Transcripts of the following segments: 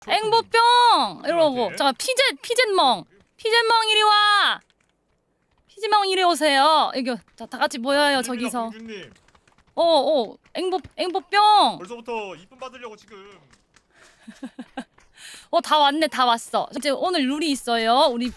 앵보병 이러고 잠깐 피젯멍 이리 와. 피젯멍 이리 오세요. 이거 자, 다 같이 모여요 저기서. 공주님. 앵보병. 벌써부터 이쁨 받으려고 지금. 다 왔네, 다 왔어. 이제 오늘 룰이 있어요. 우리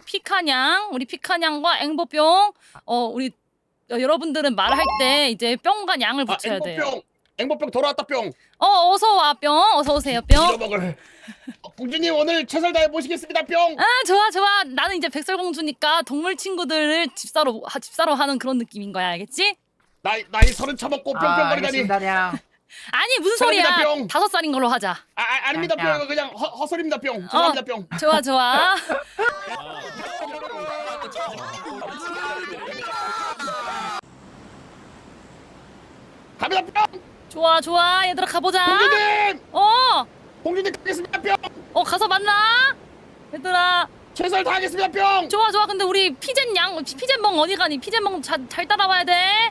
피카냥과 앵보병. 우리 여러분들은 말할 때 이제 뿅과 냥을 붙여야 돼요. 앵보병 돌아왔다 뿅. 어서 와 뿅. 어서 오세요 뿅. 잃어먹을. 공주님 오늘 최선을 다해 모시겠습니다 뿅. 아 좋아. 나는 이제 백설공주니까 동물 친구들을 집사로 하는 그런 느낌인 거야, 알겠지? 나이 서른 처먹고 뿅뿅거리다니. 알겠습니다, 냥. 아니 무슨 소리야? 사랑합니다, 뿅. 5살인 걸로 하자. 아닙니다 뿅. 이거 그냥 헛소리입니다 뿅. 죄송합니다 뿅. 좋아. 갑니다 뿅. 좋아 얘들아 가보자. 공주님. 공주님 가겠습니다 뿅. 가서 만나. 얘들아. 최선을 다하겠습니다 뿅. 좋아. 근데 우리 피젯멍 어디 가니? 피젯멍 잘 따라와야 돼.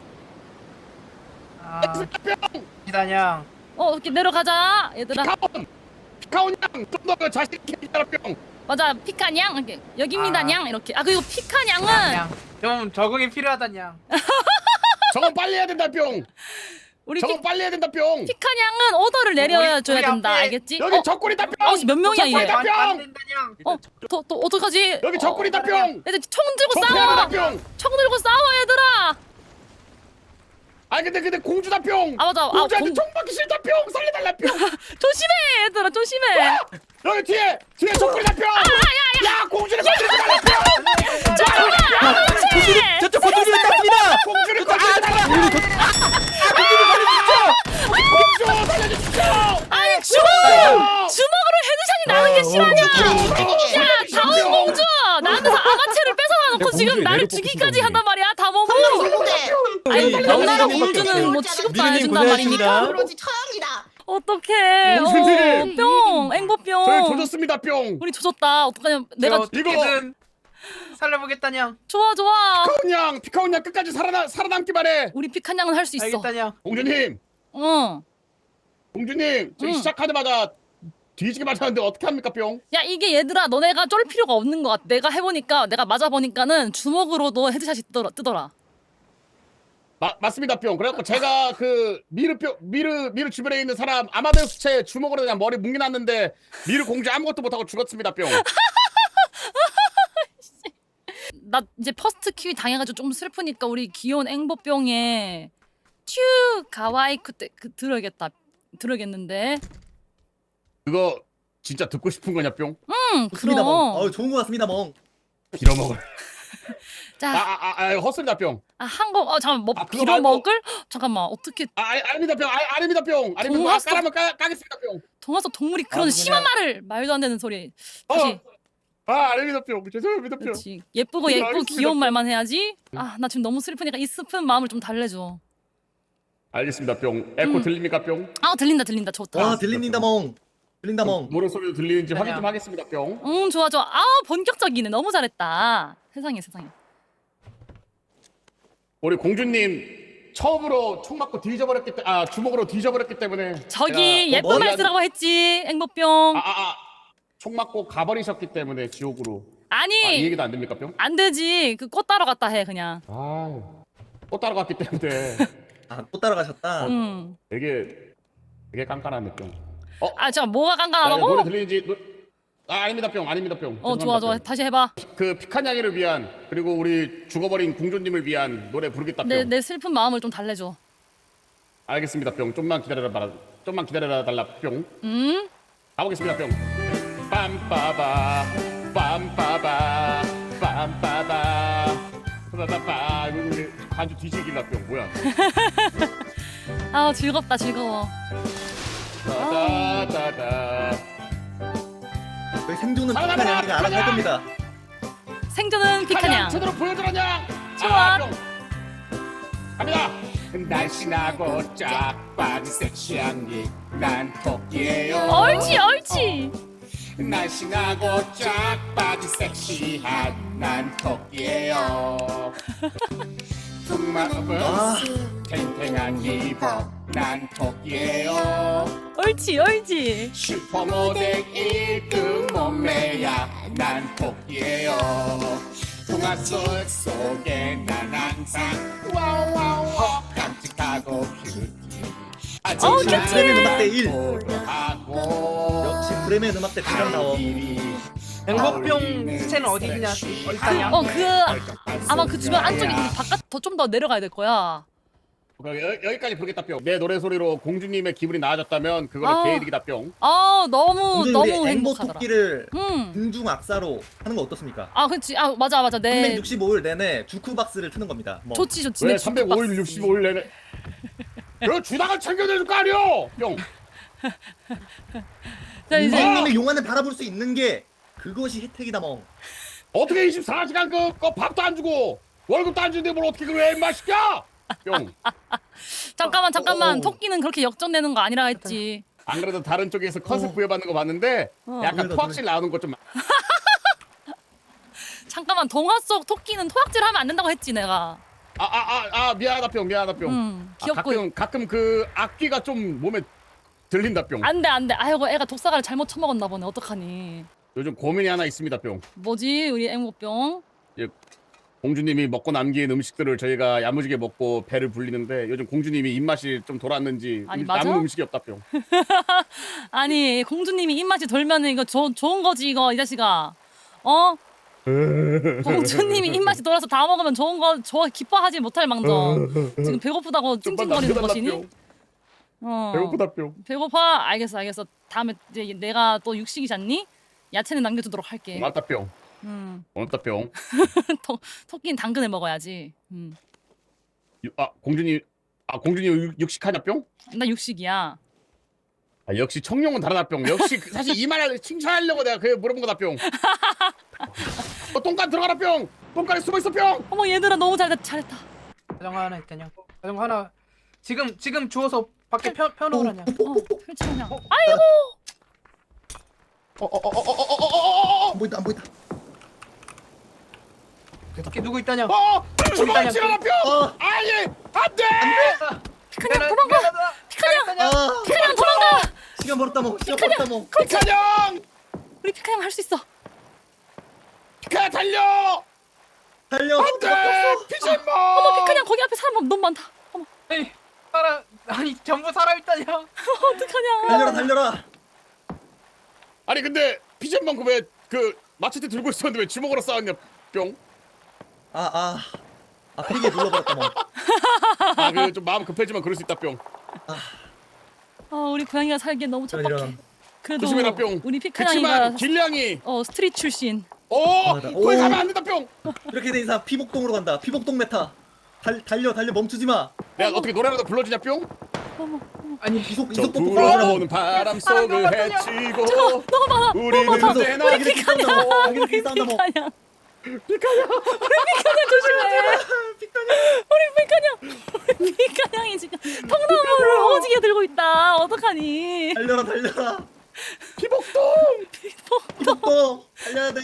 뿅. 기다냥. 이렇게 내려가자, 얘들아. 피카온 양좀더 자신 있게 해라 뿅. 맞아, 피카냥 이렇게 여기입니다, 냥 이렇게. 그리고 피카냥은 냥. 좀 적응이 필요하다냥. 저건 빨리 해야 된다 뿅. 우리 저건 빨리 해야 된다 뿅. 피카냥은 오더를 내려줘야 우리 된다, 앞에 알겠지? 여기 적군이다 뿅. 몇 명이야 얘? 적군이다 안 뿅. 된다냥. 또 어떡하지? 여기 적군이다 뿅. 얘들 총 들고 적군이다 싸워. 뿅. 총 들고 싸워, 얘들아. 근데 공주다 뿅. 맞아. 공주한테 총 받기 싫다 뿅. 살려달라 뿅. 조심해, 얘들아, 조심해. 여기 뒤에 적군이다 뿅. 야 공주를 건드리지 말라 뿅. 저쪽 공주님 땄습니다. 공주를 건드리지 말라. 공주 살려주십시오. 아니 주먹으로 헤드샷이 나는 게 실화냐? 야, 다운 공주 나한테서 아가체를 뺏어놔놓고 지금 나를 죽이기까지 한단 말이야, 다모모. 아니 명나라 공주는 뭐 취급도 안 해준단 말입니까? 그러지 처형이다. 어떡해. 공주님. 뿅, 앵보뿅. 저희 조졌습니다 뿅. 우리 조졌다. 어떡하냐? 내가 어떻게든 살려보겠다냥. 좋아. 피카온 양 끝까지 살아남기만 해. 우리 피칸냥은 할 수 있어. 알겠다냥. 공주님 저희 시작하자마자 뒤지게 맞았는데 어떻게 합니까 뿅? 야, 이게 얘들아, 너네가 쫄 필요가 없는 것 같아. 내가 해보니까, 내가 맞아보니까는 주먹으로도 헤드샷이 뜨더라. 맞습니다 뿅. 그래갖고 제가 그 미르 주변에 있는 사람 아마데우스체 주먹으로 그냥 머리 뭉개놨는데 미르 공주 아무것도 못하고 죽었습니다 뿅. 나 이제 퍼스트 키위 당해가지고 좀 슬프니까 우리 귀여운 앵보병에 츄 가와이쿠 때 들어야겠는데. 그거 진짜 듣고 싶은 거냐 뿅? 좋습니다, 그럼. 멍. 좋은 것 같습니다, 멍. 빌어먹을. 자, 헛소리다 뿅. 한거 잠깐만, 뭐 그거 빌어 말고- 먹을? 잠깐만, 어떻게 아닙니다 뿅. 아닙니다 뿅. 아닙니다. 동화서- 까라면 까겠습니다 뿅. 동화서 동물이 그런 심한 말도 안 되는 소리. 다시. 아닙니다 뿅. 죄송합니다 뿅. 그렇지. 예쁘고 알겠습니다. 귀여운 말만 해야지. 나 지금 너무 슬프니까 이 슬픈 마음을 좀 달래줘. 알겠습니다 뿅. 에코 들립니까 뿅? 들린다. 좋다. 와, 들립니다, 멍. 들린다, 멍. 노래 소리도 들리는지 확인 좀 아니야. 하겠습니다 뿅. 좋아. 본격적이네. 너무 잘했다. 세상에. 우리 공주님 처음으로 총 맞고 뒤져버렸기 때문에 주먹으로 뒤져버렸기 때문에 저기 제가 예쁜 머리 말 안- 쓰라고 했지, 앵보병. 총 맞고 가버리셨기 때문에 지옥으로. 이 아니, 얘기도 안 됩니까 뿅? 안 되지. 그 꽃 따러 갔다 해, 그냥. 또 따라갔기 때문에 또 따라가셨다. 응. 되게 깐깐한 뿅. 잠깐 뭐가 노래 깐깐하다고? 들리는지 아닙니다 뿅. 아닙니다 뿅. 좋아. 죄송합니다, 뿅. 다시 해봐. 그 피칸냥이를 위한 그리고 우리 죽어버린 공주님을 위한 노래 부르겠다 뿅. 내 슬픈 마음을 좀 달래줘. 알겠습니다 뿅. 좀만 기다려라 달라 뿅. 가보겠습니다 뿅. 빰빠바 빰빠바 빰빠바 빠바바. 우리 간주 뒤지길라 뿅. 뭐야? 즐겁다, 즐거워. 따다다다. 저희 생존은 살아남아, 피카냥이가 알아서 할 겁니다. 생존은 피카냥. 제대로 보여주라냐? 좋아. 뿅. 갑니다. 날씬하고 짝박이 섹시한 게난 토끼예요. 옳지. 날씬하고 짝박이 섹시한 난 토끼예요. 퉁마음은 탱탱한 이복 난 토끼예요. 옳지 옳지. 슈퍼모델 1등 몸매야. 난 토끼예요. 동화 속에 난 항상 와우 깜찍하고 큐티. 큐티. 브레멘 음악대 1. 하고 역시 브레멘 음악대 대장다워. 앵보병 시체는 어디 있다냐? 아마 그 주변 안쪽에 바깥 더 좀 더 내려가야 될 거야. 여기까지 부르겠다 뿅. 내 노래 소리로 공주님의 기분이 나아졌다면 그거는 아. 개이득이다 뿅. 너무 우리 앵보 행복하더라. 토끼를 음. 등중 악사로 하는 거 어떻습니까? 그렇지. 맞아. 네. 365일 내내 주쿠박스를 트는 겁니다. 뭐. 좋지. 왜 내 305일 65일 내내 그 주당을 챙겨줄 거 아니오 뿅. 자 이제 공주님의 용안을 바라볼 수 있는 게 그것이 혜택이다 멍. 어떻게 24시간 그 밥도 안 주고 월급도 안 주는데 뭘 어떻게 그래 인마 시켜 뿅. 잠깐만. 토끼는 그렇게 역전되는 거 아니라 했지. 안 그래도 다른 쪽에서 컨셉 부여받는 거 봤는데 약간 노래다, 토악질 나오는 거 좀. 잠깐만 동화 속 토끼는 토악질 하면 안 된다고 했지 내가. 미안하다 뿅. 귀엽고. 가끔 그 악기가 좀 몸에 들린다 뿅. 안돼. 아이고 애가 독사가를 잘못 처먹었나 보네. 어떡하니. 요즘 고민이 하나 있습니다 뿅. 뭐지 우리 앵무병? 공주님이 먹고 남긴 음식들을 저희가 야무지게 먹고 배를 불리는데 요즘 공주님이 입맛이 좀 돌았는지 아니, 맞아? 남은 음식이 없다 뿅. 아니 공주님이 입맛이 돌면은 이거 좋은 거지 이거 이 자식아. 공주님이 입맛이 돌아서 다 먹으면 좋은 거 기뻐하지 못할 망정. 지금 배고프다고 찡찡거리는 것이니? 배고프다 뿅. 배고파? 알겠어. 다음에 이제 내가 또 육식이잖니? 야채는 남겨두도록 할게. 고맙다 뿅. 고맙다 뿅. 토끼는 당근을 먹어야지. 공주님 육식하냐 뿅? 나 육식이야. 역시 청룡은 다르다 뿅. 역시 사실 이 말을 칭찬하려고 내가 그 물어본 거다 뿅. 똥간 들어가라 뿅. 똥간에 숨어 있어 뿅. 어머 얘들아 너무 잘했다. 자전거 하나 있다냐? 자전거 하나 지금 주워서 밖에 펴놓으라냐? 펼치냐? 아이고. 안 보인다 안 보인다. 밖에 누구 있다냐? 주먹 치러라 뿅. 아예 안돼. 피카냥 도망가. 피카냥 도망가. 시간 벌었다 멍. 피카냥 우리 피카냥 할 수 있어. 피카 달려. 안돼 피신모. 어머 피카냥 거기 앞에 사람 너무 많다. 어머 에이, 아니 전부 사람 있다냐? 어떡하냐. 달려라. 아니 근데 피신모 왜그 마체테 들고 있었는데 왜 주먹으로 싸웠냐 뿅. 페이게 눌러버렸다 멍. 그 좀 마음 급해지면 그럴 수 있다 뿅. 우리 고양이가 살기엔 너무 척박해. 이런. 그래도 조심해라 뿅. 우리 그치만 피카냥이가 길냥이 스트릿 출신. 맞아. 거기 가면 안 된다 뿅. 이렇게 된 이상 피복동으로 간다. 피복동 메타. 달려 멈추지 마. 내가 어떻게 노래라도 불러주냐 뿅. 아니 이속 저 뽀뽀. 불어오는 바람 속을 헤치고 저거 너무 많아. 우리는 언제나 우리 피카냥 조심해. 우리 피카냥이 지금 통나무를 오지게 들고 있다. 어떡하니? 달려라. 피복동. 피복동 달려야 돼.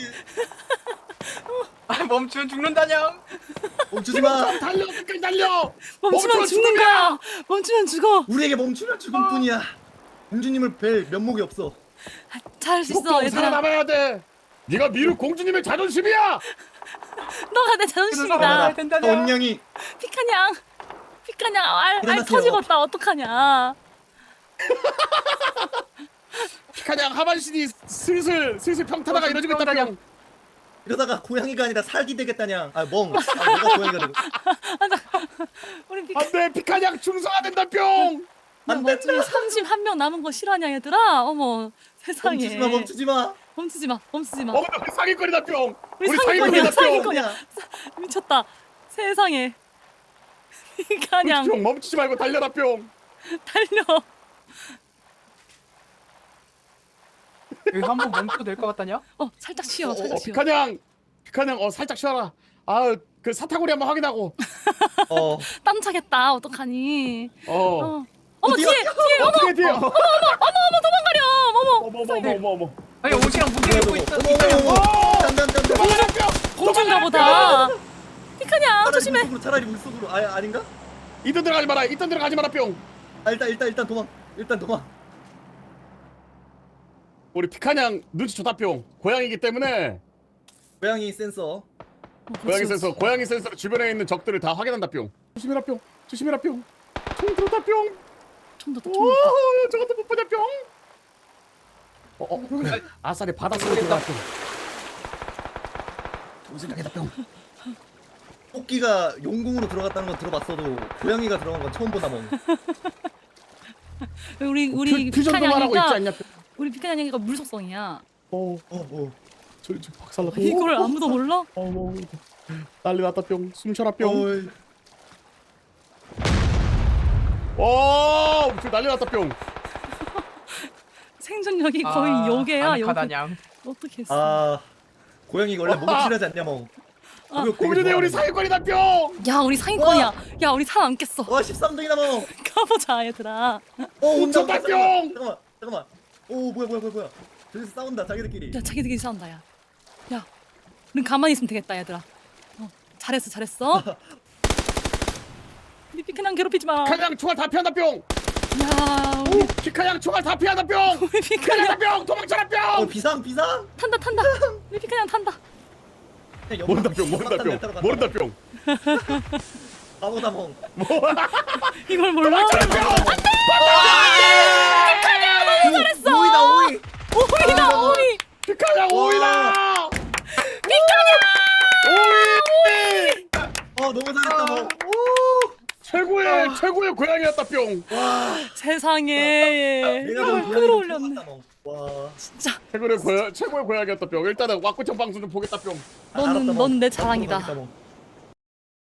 멈추면 죽는다냐? 멈추지 마. 달려 끝까지 달려. 멈추면 죽는 거야. 멈추면 죽어. 우리에게 멈추면 죽을 뿐이야. 공주님을 뵐 면목이 없어. 잘할 수 있어 피복동 얘들아. 살아남아야 돼. 네가 미루 공주님의 자존심이야. 너가 내 자존심이다. 된다냐? 언냥이 피카냥 알 일어나세요. 터지겠다. 어떡하냐. 피카냥 하반신이 슬슬 평타다가 이러지고 있다 뿅. 이러다가 고양이가 아니라 살기 되겠다냐. 내가 고양이가 되고. 우리 안돼 피카냥 중성화 된다 뿅. 안 멋지게 된다. 31명 남은 거 실화냐 얘들아. 어머 세상에. 멈추지 마. 멈추지 마. 우리 상위권이다 뿅. 우리 상위권이다 상위권이야. 뿅. 미쳤다. 세상에. 피카냥 뿅 멈추지 말고 달려라 뿅. 달려. 여기 한번 멈춰도 될 것 같다냐? 살짝 쉬어. 피카냥 살짝 쉬어라. 그 사타구리 한번 확인하고. 땀 차겠다. 어떡하니? 어. 어머 어디야? 뒤에 어머 어떻게 돼요? 도망가려. 어머. 아니 옷이랑 무게 입고 있어. 공주인가 보다. 피카냥 조심해. 차라리 물속으로. 아닌가? 이딴 들어가지 마라 뿅. 아 일단 도망. 일단 도망. 우리 피카냥 눈치 좋다뿅. 고양이기 때문에 고양이 센서. 고양이 센서 고양이 센서로 주변에 있는 적들을 다 확인한다뿅. 조심해라 뿅. 조심해라 뿅. 총 들었다 뿅. 총도 오, 저것도 못 보냐 뿅. 아싸리 바닷속에 들어갔다 뿅. 좋은 생각이다 뿅. 토끼가 용궁으로 들어갔다는 건 들어봤어도 고양이가 들어간 건 처음 보다 멍. 우리 퓨전도 말하고 있지 피카냥이가 않냐 뿅. 우리 피카냥이가 물속성이야. 저 박살나 뿅. 이걸 아무도 몰라? 난리 났다 뿅. 숨 쉬어라 뿅. 어이. 와, 저 난리 났다 뿅. 생존력이 거의 요괴야 요괴. 아늑하다냥. 어떻게 했어? 아 고양이가 원래 목이 필요하지 않냐 멍. 목욕 되게 공주대 우리 좋아하는데. 사기꾼이다 뿅. 야 우리 상위권이야. 야 우리 살아남겠어. 와 13등이다 멍. 가보자 얘들아. 온다 쳤다, 온다. 뿅! 잠깐만. 오 뭐야. 저기서 싸운다 자기들끼리. 야 자기들끼리 싸운다 야. 야 우린 가만히 있으면 되겠다 얘들아. 잘했어. 우리 피카냥 괴롭히지 마. 피카냥 총알 다 피한다 뿅. 야 우리 피카냥 총알 다 피한다 뿅. 우리 피카냥 피카냥 뿅. 도망쳐라 뿅. 비상. 탄다. 우리 피카냥 탄다. 모른다 뿅. 모른다 뿅. 바보다 멍. 이걸 몰라? 잘했어. 오이. 오이다 오이. 피카냥 오이다. 오이. 너무 잘했다 멍. 최고의 고양이였다 뿅. 세상에 내가 이걸 너무 끌어올렸네. 와. 진짜 최고의 고양이였다 뿅. 일단은 왁구청 방송 좀 보겠다 뿅. 넌 내 자랑이다.